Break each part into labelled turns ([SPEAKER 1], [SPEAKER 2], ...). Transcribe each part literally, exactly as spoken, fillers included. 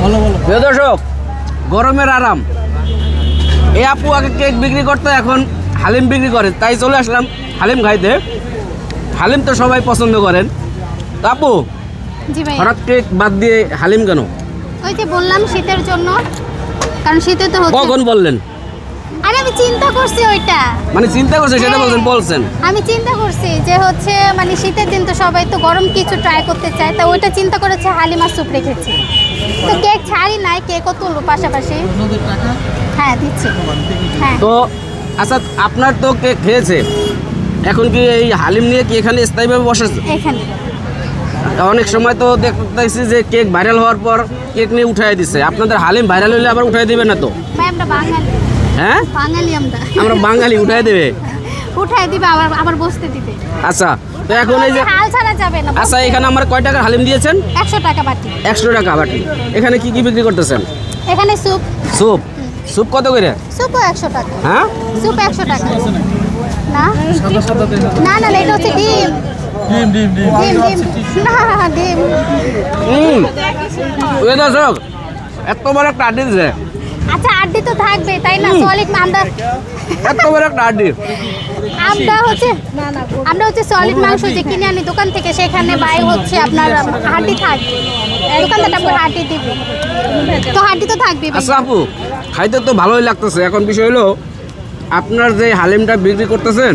[SPEAKER 1] প্রিয় দর্শক, গরমের আরাম। এই আপু আগে কেক বিক্রি করতে, এখন হালিম বিক্রি করে, তাই চলে আসলাম হালিম খাইতে। হালিম তো সবাই পছন্দ করেন। তো আপু,
[SPEAKER 2] জি ভাই,
[SPEAKER 1] হঠাৎ কেক বাদ দিয়ে হালিম কেন?
[SPEAKER 2] ওই যে বললাম শীতের জন্য, কারণ শীতে তো হচ্ছে।
[SPEAKER 1] কখন বললেন?
[SPEAKER 2] আরে আমি চিন্তা করছি ওইটা,
[SPEAKER 1] মানে চিন্তা করছে সেটা বলছেন বলছেন
[SPEAKER 2] আমি চিন্তা করছি যে হচ্ছে মানে শীতের দিন তো সবাই তো গরম কিছু ট্রাই করতে চায়, তা ওইটা চিন্তা করেছে হালিমা স্যুপ রেখেছি। তো কেক ছাড়ি নাই, কেকও তুলবো পাশাপাশি। হ্যাঁ দিচ্ছি, হ্যাঁ।
[SPEAKER 1] তো আচ্ছা, আপনার তো কেক খেয়েছে, এখন কি এই হালিম নিয়ে কি এখানে স্থায়ীভাবে বসেছে?
[SPEAKER 2] এখানে
[SPEAKER 1] অনেক সময় তো দেখতেছি যে কেক ভাইরাল হওয়ার পর কেক নিয়ে উঠাই দিচ্ছে। আপনাদের হালিম ভাইরাল হলে আবার উঠাই দিবে না তো?
[SPEAKER 2] ভাই আমরা বাঙালি,
[SPEAKER 1] হ্যাঁ
[SPEAKER 2] বাঙালি আমরা
[SPEAKER 1] আমরা বাঙালি, উঠাই দেবে?
[SPEAKER 2] উঠাই দিবে, আবার আবার বসতে দিবে।
[SPEAKER 1] আচ্ছা, তো এখন এই যে
[SPEAKER 2] হাল ছাড়া যাবে না।
[SPEAKER 1] আচ্ছা, এখানে আমার কয় টাকার হালিম দিয়েছেন?
[SPEAKER 2] একশো টাকা বাটি।
[SPEAKER 1] একশো টাকা বাটি। এখানে কি কি বিক্রি করতেছেন?
[SPEAKER 2] এখানে স্যুপ,
[SPEAKER 1] স্যুপ স্যুপ কত করে?
[SPEAKER 2] স্যুপও একশো টাকা।
[SPEAKER 1] হ্যাঁ,
[SPEAKER 2] স্যুপ একশো টাকা। না না না, এটা হচ্ছে ডিম
[SPEAKER 3] ডিম ডিম ডিম
[SPEAKER 2] ডিম ডিম না ডিম।
[SPEAKER 1] হুম ওই দর্শক, এত বড় একটা আড্ডি দিচ্ছে,
[SPEAKER 2] আচ্ছা আড্ডি তো থাকবে তাই না? সলিড আমরা
[SPEAKER 1] এত বড় একটা আড্ডি।
[SPEAKER 2] আমরা হচ্ছে আমরা হচ্ছে সলিড মাংস যে কিনে আনি দোকান থেকে, সেখানে বাই হচ্ছে আপনার হাড্ডি থাকবে, দোকানদারটা আপনার হাড্ডি দিবে, তো হাড্ডি তো থাকবে।
[SPEAKER 1] আচ্ছা আপু, খাইতে তো ভালোই লাগতেছে। এখন বিষয় হলো, আপনার যে হালিমটা বিক্রি করতেছেন,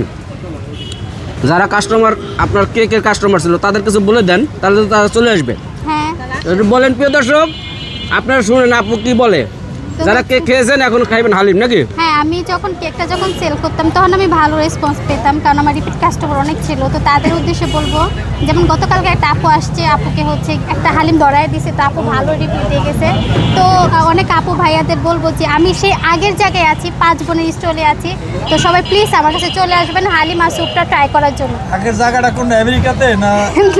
[SPEAKER 1] যারা কাস্টমার আপনার কেকের কাস্টমার ছিল, তাদের কিছু বলে দেন, তাহলে তো তারা চলে আসবে।
[SPEAKER 2] হ্যাঁ
[SPEAKER 1] একটু বলেন প্রিয় দর্শক, আপনারা শুনেন আপু কি বলে। যারা কেক খেয়েছেন এখন খাইবেন হালিম নাকি?
[SPEAKER 2] হ্যাঁ, আমি যখন কেকটা যখন সেল করতাম তখন আমি ভালো রেসপন্স পেতাম, কারণ আমার রিপিট কাস্টমার অনেক ছিল। তো তাদের উদ্দেশ্যে বলবো, যেমন গতকালকে একটা আপু আসছে, আপুকে হচ্ছে একটা হালিম ধরায় দিছে, তো আপু ভালো রিপিট দিয়ে গেছে। তো আহ, অনেক আপু ভাইয়াদের বলবো যে আমি সেই আগের জায়গায় আছি, পাঁচ বোনের স্টলে আছি, তো সবাই প্লিজ আমার কাছে চলে আসবেন হালিম আর স্যুপটা ট্রাই করার জন্য।
[SPEAKER 3] আগের জায়গাটা কোন আমেরিকাতে না?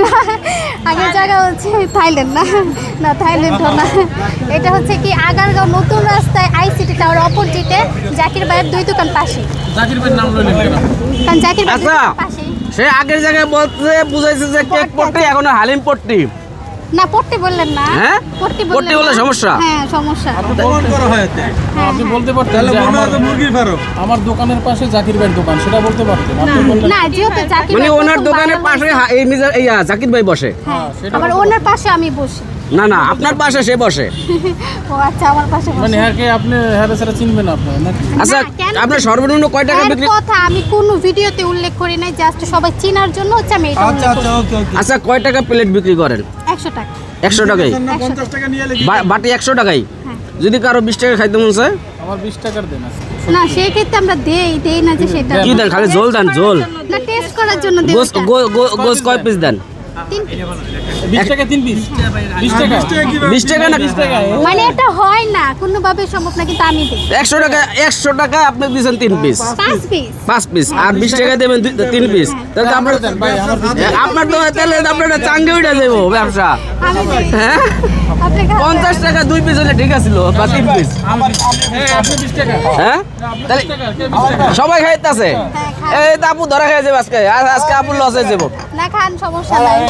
[SPEAKER 2] আগের জায়গা হচ্ছে থাইল্যান্ড, না না থাইল্যান্ডও না, এটা হচ্ছে কি আগারগাঁও নতুন রাস্তায় আইসিটি টাওয়ার অপোজিটে জাকির ভাইয়ের দুই দোকান পাশে।
[SPEAKER 3] জাকির ভাইয়ের নাম লইলেন কেন?
[SPEAKER 2] কারণ জাকির ভাই
[SPEAKER 1] আচ্ছা,
[SPEAKER 2] পাশে।
[SPEAKER 1] সে আগের জায়গায় বলতে বুঝাইছে যে কেক পট্টি, এখন হালিম পট্টি।
[SPEAKER 2] না পট্টি বললেন না,
[SPEAKER 1] হ্যাঁ?
[SPEAKER 2] পট্টি
[SPEAKER 1] পট্টি বললে
[SPEAKER 2] না।
[SPEAKER 1] সমস্যা?
[SPEAKER 2] হ্যাঁ সমস্যা।
[SPEAKER 3] প্রমাণ করা হয়েছে।
[SPEAKER 2] হ্যাঁ,
[SPEAKER 4] আপনি
[SPEAKER 2] হ্যাঁ।
[SPEAKER 4] বলতে পারতেন
[SPEAKER 3] তাহলে
[SPEAKER 4] যে
[SPEAKER 3] মনে
[SPEAKER 4] আমার
[SPEAKER 3] হয় তো মুরগির ফার্ম।
[SPEAKER 4] আমার দোকানের পাশে জাকির ভাইয়ের দোকান, সেটা বলতে পারতেন। আপনি বললেন
[SPEAKER 2] না যেহেতু জাকির
[SPEAKER 1] মানে
[SPEAKER 2] ভাই
[SPEAKER 1] ওনার
[SPEAKER 2] প্রথম
[SPEAKER 1] দোকানের
[SPEAKER 2] viral
[SPEAKER 1] পাশে
[SPEAKER 2] হয়েছে,
[SPEAKER 1] হা- এই মিজার এই আহ, জাকির ভাই বসে।
[SPEAKER 2] হ্যাঁ
[SPEAKER 4] সেটা
[SPEAKER 2] আবার ওনার পাশে আমি বসি।
[SPEAKER 1] না না, আপনার পাশে সে বসে।
[SPEAKER 2] ও আচ্ছা, আমার পাশে
[SPEAKER 4] মানে
[SPEAKER 2] বসে।
[SPEAKER 4] হ্যাঁ কে আপনি হ্যাঁ ছাড়া চিনবেন আপনার নাকি?
[SPEAKER 1] আচ্ছা,
[SPEAKER 2] না, কেন?
[SPEAKER 1] আপনার সর্বনিম্ন কয় টাকা
[SPEAKER 2] এর
[SPEAKER 1] বিক্রি?
[SPEAKER 2] কথা আমি কোনো ভিডিওতে উল্লেখ করি নাই, জাস্ট সবাই চেনার জন্য হচ্ছে আমি এটা
[SPEAKER 3] আচ্ছা
[SPEAKER 2] উল্লেখ
[SPEAKER 3] আচ্ছা
[SPEAKER 2] করি।
[SPEAKER 3] ওকে ওকে।
[SPEAKER 1] আচ্ছা, কয় টাকা প্লেট বিক্রি করেন?
[SPEAKER 2] একশো টাকা।
[SPEAKER 1] একশো টাকাই?
[SPEAKER 3] না পঞ্চাশ টাকা নিয়ে লিখি।
[SPEAKER 1] বা- বাটি একশো টাকাই?
[SPEAKER 2] হ্যাঁ।
[SPEAKER 1] যদি কারো বিশ টাকা খাইতে মন চায়?
[SPEAKER 4] আমার বিশ টাকার দেন আছে।
[SPEAKER 2] না সেই ক্ষেত্রে আমরা দেই দেই না যে সেটা
[SPEAKER 1] কি দেন? খালি ঝোল দেন, ঝোল?
[SPEAKER 2] না টেস্ট করার জন্য দেই
[SPEAKER 1] গোস
[SPEAKER 2] ওটা।
[SPEAKER 1] গো- গো- গোস কয় পিস দেন?
[SPEAKER 2] তিন।
[SPEAKER 4] বিশ টাকা তিন পিস? বিশ টাকা?
[SPEAKER 3] বিশ টাকা কিভাবে?
[SPEAKER 1] বিশ টাকা না?
[SPEAKER 4] বিশ টাকা?
[SPEAKER 2] মানে এটা হয় না কোনোভাবে সম্ভব না, কিন্তু আমি দিই
[SPEAKER 1] একশো টাকা, একশো টাকা আপনি দিয়েছেন তিন পিস,
[SPEAKER 2] পাঁচ পিস।
[SPEAKER 1] পাঁচ পিস, আর বিশ টাকা দেবেন দুই- তিন পিস। তাহলে তো আপনার
[SPEAKER 4] দেন ভাই, আমার বিশ টাকা।
[SPEAKER 1] আপনার তো তাহলে আপনার একটা চাঙ্গে উঠে যাবো ব্যবসা।
[SPEAKER 2] আমি দিই।
[SPEAKER 1] হ্যাঁ,
[SPEAKER 2] আপনি খাবেন?
[SPEAKER 1] পঞ্চাশ টাকা দুই পিস হলে ঠিক আছিল, বা তিন পিস।
[SPEAKER 4] হ্যাঁ, আপনি বিশ টাকা।
[SPEAKER 1] হ্যাঁ, তাহলে
[SPEAKER 4] বিশ টাকা, কে বিশ টাকা?
[SPEAKER 1] সবাই খাইতেছে।
[SPEAKER 2] হ্যাঁ, খান।
[SPEAKER 1] এই তো আপু ধরা খেয়ে যাবে আজকে, আর আজকে আপুর লস হয়ে যাবো।
[SPEAKER 2] না খান, সমস্যা নাই।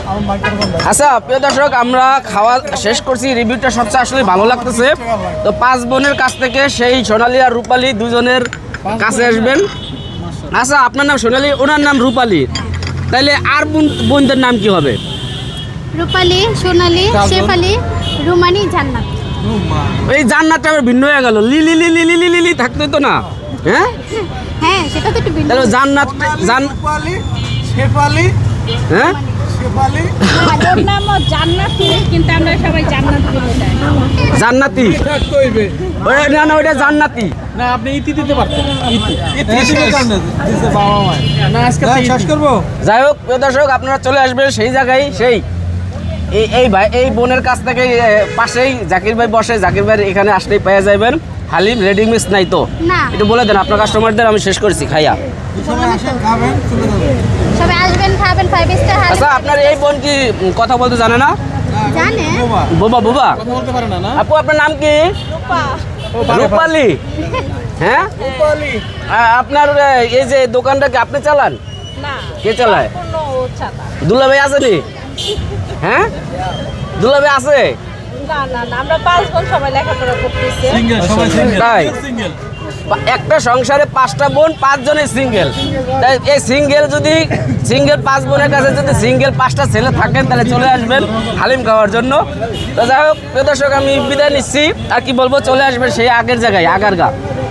[SPEAKER 1] আচ্ছা প্রিয় দর্শক, আমরা খাওয়া শেষ করছি, রিভিউটা সবচেয়ে আসলে ভালো লাগতেছে। তো পাঁচ বোনের কাছ থেকে সেই সোনালী আর রূপালী দুজনের কাছে আসবেন। আচ্ছা, আপনার নাম সোনালী, ওনার নাম রূপালী, তাইলে আর বোন বোনদের নাম কি হবে?
[SPEAKER 2] রূপালী, সোনালী, শেফালি, রুমানি, জান্নাত।
[SPEAKER 1] এই জান্নাতটা আবার ভিন্ন হয়ে গেল, লিলি লিলি লিলি লিলি থাকতে তো না? হ্যাঁ,
[SPEAKER 2] হ্যাঁ সেটা তো একটু ভিন্ন।
[SPEAKER 1] তাহলে জান্নাত জান
[SPEAKER 3] রূপালী, শেফালি,
[SPEAKER 1] হ্যাঁ,
[SPEAKER 3] শেফালি।
[SPEAKER 5] ওর নামও জান্নাতি, কিন্তু আমরা সবাই জান্নাত বলে ডাকি।
[SPEAKER 1] জান্নাতি।
[SPEAKER 3] থাকতে হইবে।
[SPEAKER 1] ওই না না, ওইটা জান্নাতি।
[SPEAKER 4] না আপনি ইতি দিতে পারতেন। ইতি।
[SPEAKER 3] এদিকে কান দিছে বাবা মা।
[SPEAKER 4] না আজকে
[SPEAKER 3] হ্যাঁ,
[SPEAKER 4] তো
[SPEAKER 3] শেষ
[SPEAKER 4] ইতি।
[SPEAKER 3] করবো।
[SPEAKER 1] যাই হোক প্রিয় দর্শক, আপনারা চলে আসবেন সেই জায়গায়, সেই এই এই ভাই এই বোনের কাছ থেকে এ, পাশেই জাকির ভাই বসে। জাকির ভাই এখানে আসলেই পেয়ে যাবেন হালিম। রেডি মিক্স নাই তো?
[SPEAKER 2] না।
[SPEAKER 1] একটু বলে দেন আপনার কাস্টমারদের, আমি শেষ করছি খাইয়া।
[SPEAKER 3] সবাই আসেন, খাবেন, চলে যাবেন।
[SPEAKER 2] সবাই আসবেন, খাবেন, ফাইভ স্টার হালিম।
[SPEAKER 1] আচ্ছা, আপনার এই বোন কি উম, কথা বলতে জানে না?
[SPEAKER 2] জানে?
[SPEAKER 3] বাবা,
[SPEAKER 1] বোবা বোবা?
[SPEAKER 4] কথা বলতে পারে না না?
[SPEAKER 1] আপু আপনার নাম কি? রূপালী। হ্যাঁ,
[SPEAKER 3] রূপালী।
[SPEAKER 1] আ- আপনার এ, এই যে দোকানটা কি আপনি চালান?
[SPEAKER 5] না,
[SPEAKER 1] কে চালায়?
[SPEAKER 5] কোনো ছাতা।
[SPEAKER 1] দুলা ভাই আছে নি? হ্যাঁ, দুলা ভাই আছে?
[SPEAKER 5] না না না আমরা পাঁচ বোন সবাই লেখাপড়া করতেছি
[SPEAKER 3] সিঙ্গেল সবাই সিঙ্গেল
[SPEAKER 1] তাই?
[SPEAKER 3] সিঙ্গেল
[SPEAKER 1] পা- একটা সংসারে পাঁচটা বোন পাঁচজনের সিঙ্গেল, তাই এই সিঙ্গেল যদি সিঙ্গেল পাঁচ বোনের কাছে যদি সিঙ্গেল পাঁচটা ছেলে থাকেন তাহলে চলে আসবেন হালিম খাওয়ার জন্য। তো যাই হোক প্রিয় দর্শক, আমি বিদায় নিচ্ছি। আর কি বলবো, চলে আসবেন সেই আগের জায়গায় আগারগা।